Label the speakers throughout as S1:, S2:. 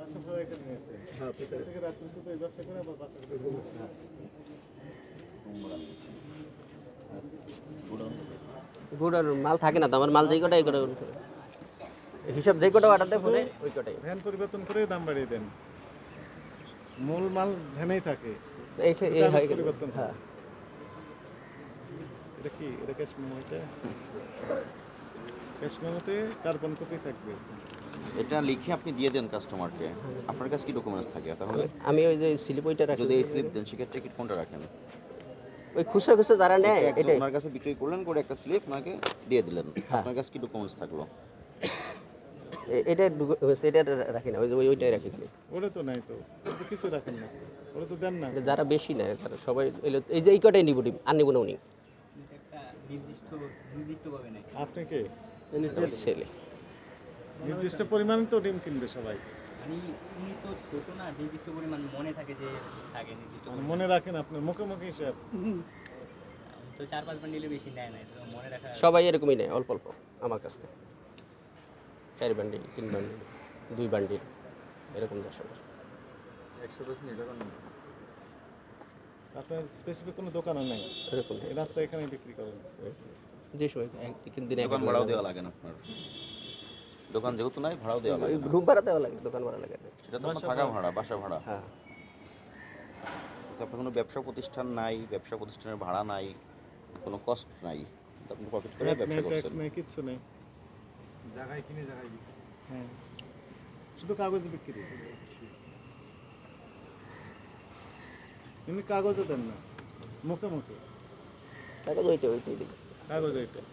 S1: হ্যাঁ গুড়ার মাল থাকে না তো, আমার মাল যেই কটা এই কটা হিসাব যেই কটা অর্ডার দেয় ফোনে ওই কটাই।
S2: ভ্যান পরিবর্তন করে দাম বাড়িয়ে দেন, মূল মাল ভ্যানেই থাকে।
S1: এই হয়
S2: পরিবর্তন।
S1: হ্যাঁ
S2: এটা কি, এটা ক্যাশ মেমো? এটা ক্যাশ মেমোতে কার্বন কপি থাকবে।
S3: এটা লিখে আপনি দিয়ে দেন কাস্টমারকে। আপনার কাছে কি ডকুমেন্টস থাকে তাহলে?
S1: আমি ওই যে স্লিপ ওইটা রাখি।
S3: যদি এই স্লিপ দেন সেক্ষেত্রে কি কোনটা রাখেন?
S1: ওই খুচরা খুচরা যারা নেয় এটাই
S3: ওনার কাছে বিক্রি করলেন, করে একটা স্লিপ ওনাকে দিয়ে দিলেন।
S1: হ্যাঁ।
S3: আপনার কাছে কি ডকুমেন্টস থাকলো?
S1: এটা এটা রাখি না, ওইটাই রাখি খালি।
S2: ওটা তো নাই তো, ওটা তো কিছু রাখেন না, ওটা তো দেন না।
S1: এটা যারা বেশি নেয় তারা সবাই এই যে এই কটাই নিব, আর নিব না উনি।
S2: আপনি কে?
S1: ছেলে
S2: নির্দিষ্ট পরিমাণে তো ডিম কিনবে সবাই।
S4: মানে উনি তো ছোট না, নির্দিষ্ট পরিমাণ মনে থাকে যে থাকে নির্দিষ্ট পরিমাণ।
S2: মনে রাখেন আপনার মুখে মুখে হিসাব।
S4: তো 4-5 বান্ডিলে বেশি নেয় না, তো মনে রাখা।
S1: সবাই এরকমই নেয়, অল্প অল্প আমার কাছ থেকে 4 বান্ডিল 3 বান্ডিল 2 বান্ডিল এরকম 10
S2: আপনার স্পেসিফিক কোনো দোকানও নেই,
S1: এরকম
S2: এই রাস্তা এখানে বিক্রি করেন।
S1: যে সময় দিনে
S3: দোকান ভাড়াও দেওয়া লাগে না আপনার? দোকান যেহেতু নাই ভাড়াও দেওয়া লাগে না।
S1: রুম ভাড়া দেওয়া লাগে, দোকান ভাড়া লাগে না।
S3: সেটা তো আপনার থাকা ভাড়া, বাসা ভাড়া।
S1: হ্যাঁ
S3: তো আপনার কোনো ব্যবসা প্রতিষ্ঠান নাই, ব্যবসা প্রতিষ্ঠানের ভাড়া নাই, কোনো কস্ট নাই, তো আপনি প্রফিট করে ব্যবসা
S2: ট্যাক্স
S3: করছেন।
S2: নেই, কিচ্ছু নেই। জায়গায় কিনে জায়গায় বিক্রি। হ্যাঁ, শুধু কাগজ বিক্রি। কিন্তু কাগজও দেন না, মুখে মুখে
S1: কাগজ ওইটাই দিবে।
S2: কাগজ এইটা।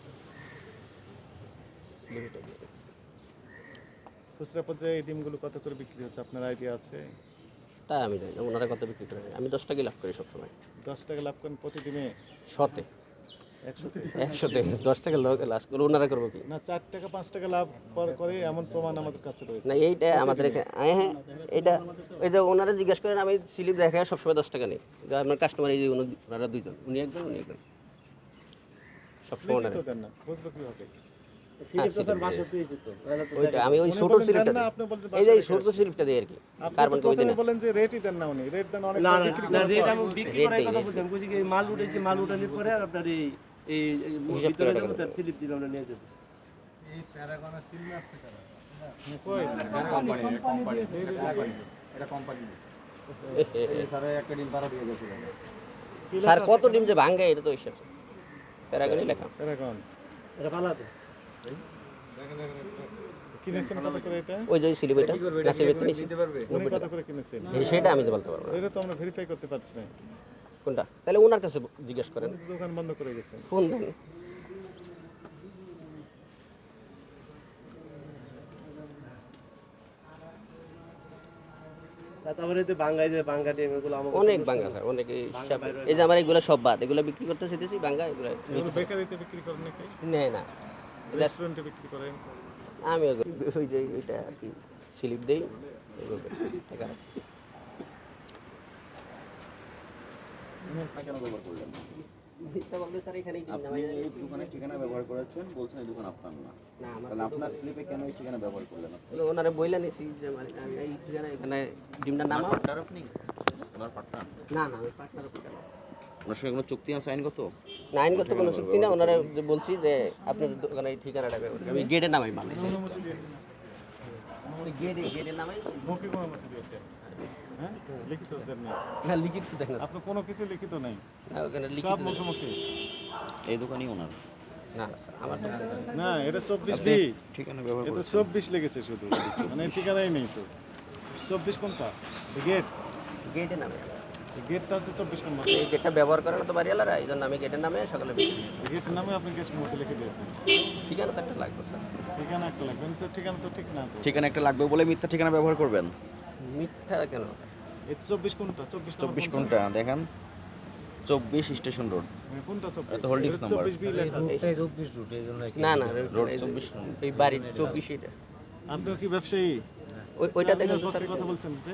S2: খুচরা পর্যায়ে এই ডিমগুলো কত করে বিক্রি হচ্ছে আপনার আইডিয়া আছে?
S1: তাই আমি জানি না ওনারা কত বিক্রি করে। আমি 10 টাকাই লাভ করি সবসময়।
S2: 10 টাকা লাভ করেন প্রতিদিনে?
S1: 100-তে
S2: 100-তে?
S1: 100-তে 10 টাকা লাভ করে ওনারা করবো কি?
S2: না, 4 টাকা 5 টাকা লাভ করে এমন প্রমাণ আমাদের কাছে রয়েছে।
S1: না এইটা আমাদের এখানে হ্যাঁ এইটা ওই যে ওনারা জিজ্ঞেস করেন, আমি স্লিপ দেখায় সবসময় 10 টাকা নেই। আপনার কাস্টমার এই যে ওনারা দুইজন, উনি একজন উনি একজন সবসময় ওনারা
S2: তো দেন না, বুঝবো কিভাবে?
S1: ওইটা আমি ওই
S2: উনি
S1: ছোট
S2: বলেন
S1: স্লিপটা
S2: দেন না,
S1: দিই।
S2: আপনি বলতে
S1: এই যে এই
S2: বাসায়
S1: ছোট স্লিপটা দিই আর কি,
S2: আপনি
S1: কার্বন
S2: তো
S1: কপি দিই
S2: প্রথমে
S1: না।
S2: বলেন যে রেটই দেন না উনি, রেট দেন অনেক বিক্রি
S5: না
S2: করার
S5: রেট
S2: পর।
S5: আমি বিক্রি করার কথা বলছি, আমি কইছি কি মাল উঠাইছি, মাল উঠানোর পরে আর আপনার এই
S1: হিসাব
S5: ভিতরে
S1: করে
S5: যাবো
S1: টাকা
S5: তার স্লিপ দিলাম, আমরা নিয়ে যাবো।
S2: এই প্যারাগনের সিল আসছে কারা?
S1: স্যার কত ডিম যে ভাঙে এটা তো হিসাব প্যারাগনই লেখা।
S2: প্যারাগন
S5: এটা ভালো আছে।
S2: কিনেছেন কত করে এটা?
S1: ওই যে স্লিপ এটা গাছের ভিতরে নিছি।
S2: উনি কত করে কিনেছেন?
S1: সেটা আমি যে বলতে পারবো না।
S2: এটা তো আমরা ভেরিফাই করতে পারছি না।
S1: কোনটা? তাহলে ওনার কাছে জিজ্ঞেস করেন,
S2: উনি তো দোকান বন্ধ করে গেছেন।
S1: ফোন দেন।
S5: তারপরে যে বাঙ্গাই যে বাঙ্গা ডিম এগুলো আমার
S1: অনেক বাঙ্গা স্যার, অনেক হিসাব। এই যে আমার এগুলো সব বাদ, এগুলো বিক্রি করতে চাইতেছি বাঙ্গা, এগুলো
S2: এগুলো বেকারিতে বিক্রি করেন নাকি?
S1: নেয় না।
S2: রেস্টুরেন্টে বিক্রি করেন?
S1: আমি ওই যে ওইটা আর কি স্লিপ দেই এইভাবে টাকা রাখি।
S3: কেন ব্যবহার করলেন?
S1: মিথ্যা বলতে স্যার এখানেই কিনি না
S3: আপনি এই দোকানের ঠিকানা ব্যবহার করেছেন, বলছেন এই দোকান আপনার না।
S1: না আমার
S3: তাহলে আপনার স্লিপে কেন এই ঠিকানা ব্যবহার করলেন?
S1: ওনারা বইলা নিছি যে মানে আমি এই ঠিকানা এখানে ডিমটা নামাও।
S3: পার্টনার আপনি? Owner partner?
S1: না না আমি পার্টনার কেন?
S3: ওনার সঙ্গে কোনো চুক্তি আছে আইনগত?
S1: না আইনগত কোনো চুক্তি না। ওনারা যে বলছি যে আপনাদের দোকানে এই ঠিকানাটা ব্যবহার করি। আমি গেটে নামাই মাল,
S2: অনুমতি দিয়েছেন?
S1: গেটে নামাই।
S2: মৌখিক অনুমতি দিয়েছেন? হ্যাঁ, লিখিত দেন না?
S1: না লিখিত দেখেন
S2: আপনার কোনো কিছু লিখিত নাই,
S1: না, ওখানে
S2: সব
S1: লিখিত
S2: মুখোমুখি।
S3: এই দোকানই ওনার?
S1: না না স্যার আমার দোকান
S2: না, এটা 24B,
S3: ঠিকানা ব্যবহার
S2: এটা
S3: করেছেন?
S2: 24 লেগেছে শুধু, মানে ঠিকানাই নেই তো। 24 কোনটা? গেট,
S1: গেটে নামে।
S2: গেটটা হচ্ছে 24 নম্বর।
S1: এই গেটটা ব্যবহার করে না তো বাড়িওয়ালারা, এই জন্য আমি গেটের নামে সকালে বিক্রি করি।
S2: গেটের নামে আপনি গ্যাস মোটে লিখে দিয়েছেন।
S1: ঠিকানা তো একটা লাগবে স্যার।
S2: ঠিকানা একটা লাগবে, তো ঠিকানা তো ঠিক না তো।
S3: ঠিকানা একটা লাগবে বলে মিথ্যা ঠিকানা ব্যবহার করবেন?
S1: মিথ্যা কেন?
S2: এই 24 কোনটা?
S3: 24 কোনটা দেখেন? 24 স্টেশন রোড।
S2: কোনটা 24?
S3: এটা হোল্ডিংস
S2: এটা
S3: নাম্বার।
S2: 24B লেখা আছে।
S1: না না
S3: রোড
S1: এই যে
S3: 24
S1: এই বাড়ির 24 এটা।
S2: আপনিও কি ব্যবসায়ী?
S1: ওইটা দেখুন তো
S2: আপনি
S1: স্যার।
S2: কথা বলছেন যে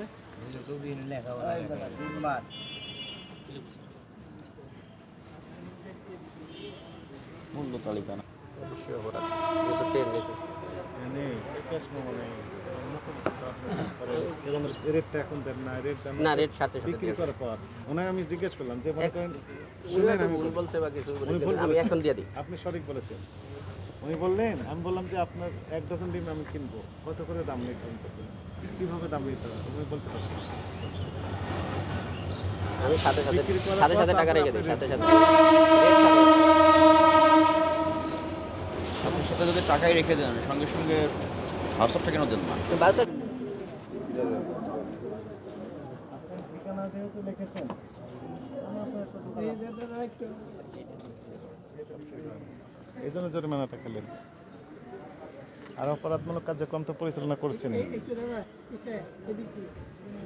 S3: মূল্য তালিকা না?
S1: অবশ্যই অপরাধ। এটা তো ট্রেন নেই স্যার।
S2: নেই, ক্যাশ মেমো নেই, মুখোমুখি তো আপনি করেন।
S5: এরকম
S2: রেটটা এখন দেন না, রেট দেন
S1: না, রেট সাথে সাথে
S2: বিক্রি
S1: দিয়ে
S2: করার পর ওনাকে আমি জিজ্ঞেস করলাম যে মনে করেন
S1: উনি
S2: শুনেন
S1: হয়তো
S2: আমি
S1: ভুল
S2: বলি।
S1: বলছে বা কিছু
S2: উনি ভুল
S1: আমি
S2: বলেছেন।
S1: এখন দিয়ে দিই।
S2: আপনি সঠিক বলেছেন। উনি বললেন, আমি বললাম যে আপনার 1 ডজন ডিম আমি কিনবো, কত করে দাম নির্ধারণ করবেন, কীভাবে দাম নির্ধারণ করবেন? উনি বলতে পারছেন না।
S1: আমি সাথে সাথে
S2: বিক্রি করার
S1: সাথে
S2: পর
S1: সাথে টাকা
S2: তারপরে
S1: রেখে দিই,
S2: আপনি
S1: সাথে
S2: rate
S1: সাথে রেট সাথে।
S3: আপনি সাথে যদি টাকাই রেখে দেন সঙ্গে সঙ্গে হোয়াটসঅ্যাপটা কেন দেন না?
S1: তো বাস
S2: আপনার ঠিকানা যেহেতু লিখেছেন, এই জন্য জরিমানাটা খেলেন। আর অপরাধমূলক কার্যক্রম তো পরিচালনা করছেন।